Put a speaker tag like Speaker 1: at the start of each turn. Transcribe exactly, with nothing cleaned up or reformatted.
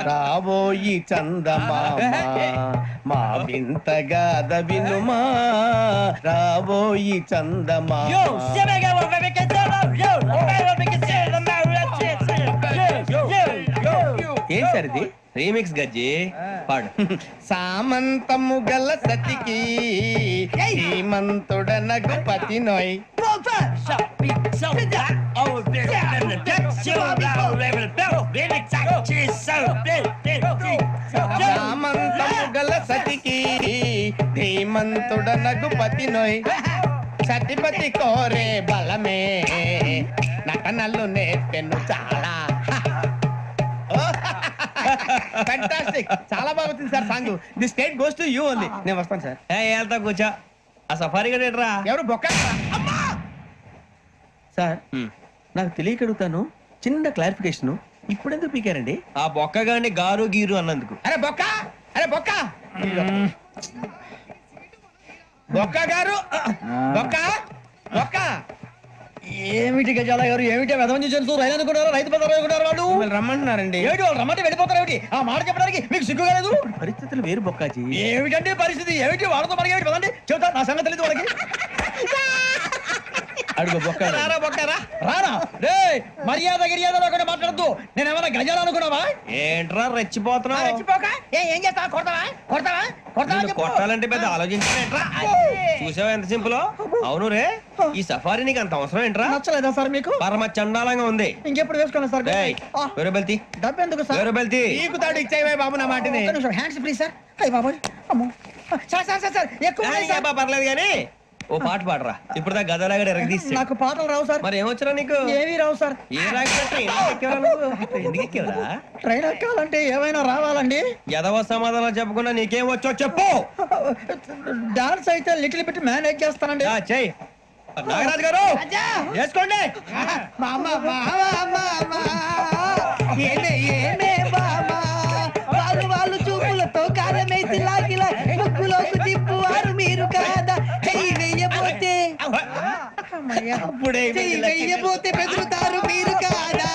Speaker 1: రాబోయి చందమామ మా వింతగాథ వినుమా రాబోయి చందమామ. ఏం సార్ ఇది?
Speaker 2: రీమిక్స్ గజ్జి పాడు.
Speaker 1: సామంతము గల సతికి శ్రీమంతుడ నగుపతి నోయ్. సామంతము గల సతికి ధీమంతుడ నగుపతి నోయ్. సతిపతి కోరే బలమే నటనలు నేర్పెను చాలా. ఫ్యాంటాస్టిక్, చాలా బాగా వచ్చింది sir song. The state goes to you only. నేను వస్తాను సార్.
Speaker 2: వెళ్తా కూర్చో. ఆ సఫారీ గడేట్రా
Speaker 1: ఎవరు బొక్క సార్? నాకు తెలియక అడుగుతాను, చిన్న క్లారిఫికేషన్. ఇప్పుడెందుకు పీకారండి?
Speaker 2: ఆ బొక్క గాని గారు గీరు అన్నందుకు.
Speaker 1: అరే బొక్క, అరే బొక్క, బొక్క గారు, బొక్క బొక్క.
Speaker 3: ఏమిటి గజాల గారు, ఏమిటి వెదవని చూసి రైలు అనుకున్నారా? రైతు బజార్ అనుకున్నారు వాళ్ళు.
Speaker 1: రమ్మంటున్నారండి.
Speaker 3: ఏమిటి వాళ్ళు రమ్మంటే వెళ్ళిపోతారు? ఏమిటి ఆ మాట చెప్పడానికి మీకు సిగ్గు కాలేదు?
Speaker 1: పరిస్థితులు వేరు బొక్కాజీ.
Speaker 3: ఏమిటంటే పరిస్థితి? ఏమిటి వాళ్ళతో మనకి ఏమిటి పదండి చెబుతా, నా సంగతి తెలియదు వాళ్ళకి.
Speaker 1: అడుగు బొక్క.
Speaker 3: రారా బొక్కరా, రారా. రే మర్యాద గిర్యాద లేకుండా మాట్లాడద్దు. నేను ఏమైనా గజాలు అనుకున్నావా?
Speaker 2: ఏంట్రా రెచ్చిపోతున్నావు?
Speaker 3: రెచ్చిపోక ఏం చేస్తావా? కొడతావా కొడతావా కొడతావా?
Speaker 2: కొట్టాలంటే పెద్ద ఆలోచించా. చూసావా ఎంత సింపుల్? అవును రే, ఈ సఫారీ నీకు అంత అవసరం ఏంట్రా?
Speaker 3: నచ్చలేదా సార్ మీకు?
Speaker 2: పరమ చండాలంగా ఉంది.
Speaker 3: ఇంకెప్పుడు వేసుకోండి సార్.
Speaker 2: వేరే బెల్తి,
Speaker 3: డబ్బు ఎందుకు సార్?
Speaker 2: వేరే బెల్తి.
Speaker 1: నీకు తాడు ఇచ్చావే బాబు నా మాటని.
Speaker 3: Hands please sir. అయ్యి బాబోయ్, అమ్మో సార్ సార్ సార్ సార్ ఎక్కువ ఉన్నాయి సార్.
Speaker 2: పర్లేదు కానీ ఓ పాట పాడరా. ఇప్పుడు దా గదలాగడ ఎరగదీసి.
Speaker 3: నాకు పాటలు రావు సార్.
Speaker 2: మరి ఏమొచ్చరా నీకు?
Speaker 3: ఏమీ రావు సార్.
Speaker 2: ఏ రాకపోతే ఎందుకు ఎక్కేవరా?
Speaker 3: ట్రైన్ ఎక్కాలంటే ఏమైనా రావాలండి.
Speaker 2: ఎదవ సమాధానం చెప్పకుండా నీకేం వచ్చో చెప్పు.
Speaker 3: డాన్స్ అయితే లిటిల్ బిట్ మేనేజ్ చేస్తానండి.
Speaker 2: చెయ్యి నాగరాజు గారు, వేసుకోండి.
Speaker 3: వాళ్ళు వాళ్ళు చూపులతో కాలమేసి లాగిలా ముగ్గులోకి తిప్పువారు మీరు కాదా? చెయ్యి వెయ్యబోతే చెయ్యి వెయ్యబోతే బెదురుతారు మీరు కాదా?